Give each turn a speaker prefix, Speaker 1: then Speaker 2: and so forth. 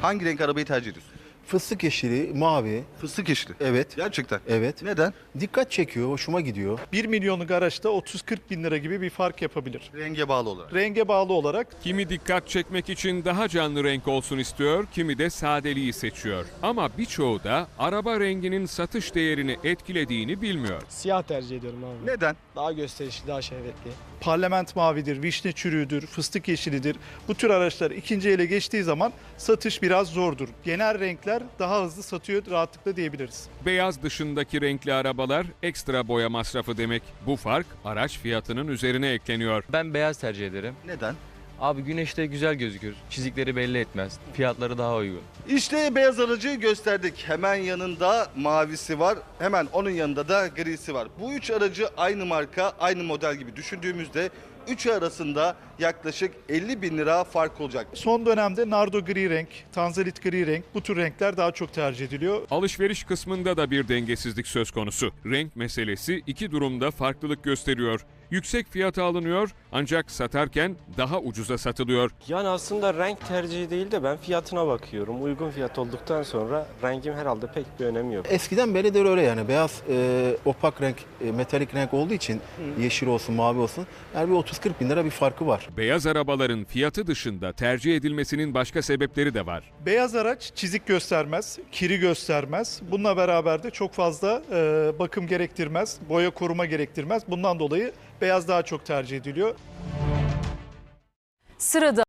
Speaker 1: Hangi renk arabayı tercih ediyorsun?
Speaker 2: Fıstık yeşili, mavi.
Speaker 1: Fıstık yeşili.
Speaker 2: Evet.
Speaker 1: Gerçekten.
Speaker 2: Evet.
Speaker 1: Neden?
Speaker 2: Dikkat çekiyor, hoşuma gidiyor.
Speaker 3: 1 milyonluk araçta 30-40 bin lira gibi bir fark yapabilir.
Speaker 1: Renge bağlı olarak.
Speaker 3: Renge bağlı olarak
Speaker 4: Kimi dikkat çekmek için daha canlı renk olsun istiyor, kimi de sadeliği seçiyor. Ama birçoğu da araba renginin satış değerini etkilediğini bilmiyor.
Speaker 5: Siyah tercih ediyorum abi.
Speaker 1: Neden?
Speaker 5: Daha gösterişli, daha şehvetli.
Speaker 3: parlament mavidir, vişne çürüğüdür, fıstık yeşilidir. Bu tür araçlar ikinci ele geçtiği zaman satış biraz zordur. Genel renkler daha hızlı satıyor rahatlıkla diyebiliriz.
Speaker 4: Beyaz dışındaki renkli arabalar ekstra boya masrafı demek. Bu fark araç fiyatının üzerine ekleniyor.
Speaker 6: Ben beyaz tercih ederim.
Speaker 1: Neden?
Speaker 6: Abi güneşte güzel gözükür. Çizikleri belli etmez. Fiyatları daha uygun.
Speaker 1: İşte beyaz aracı gösterdik. Hemen yanında mavisi var. Hemen onun yanında da grisi var. Bu üç aracı aynı marka, aynı model gibi düşündüğümüzde üçü arasında yaklaşık 50 bin lira fark olacak.
Speaker 3: Son dönemde nardo gri renk, tanzalit gri renk bu tür renkler daha çok tercih ediliyor.
Speaker 4: Alışveriş kısmında da bir dengesizlik söz konusu. Renk meselesi iki durumda farklılık gösteriyor. Yüksek fiyata alınıyor ancak satarken daha ucuza satılıyor.
Speaker 7: Yani aslında renk tercihi değil de ben fiyatına bakıyorum. Uygun fiyat olduktan sonra rengim herhalde pek bir önemi yok.
Speaker 2: Eskiden beridir öyle yani. Beyaz, opak renk, metalik renk olduğu için yeşil olsun, mavi olsun. Yani bir 30-40 bin lira bir farkı var.
Speaker 4: Beyaz arabaların fiyatı dışında tercih edilmesinin başka sebepleri de var.
Speaker 3: Beyaz araç çizik göstermez, kiri göstermez. Bununla beraber de çok fazla bakım gerektirmez, boya koruma gerektirmez. Bundan dolayı beyaz daha çok tercih ediliyor.
Speaker 8: Sırada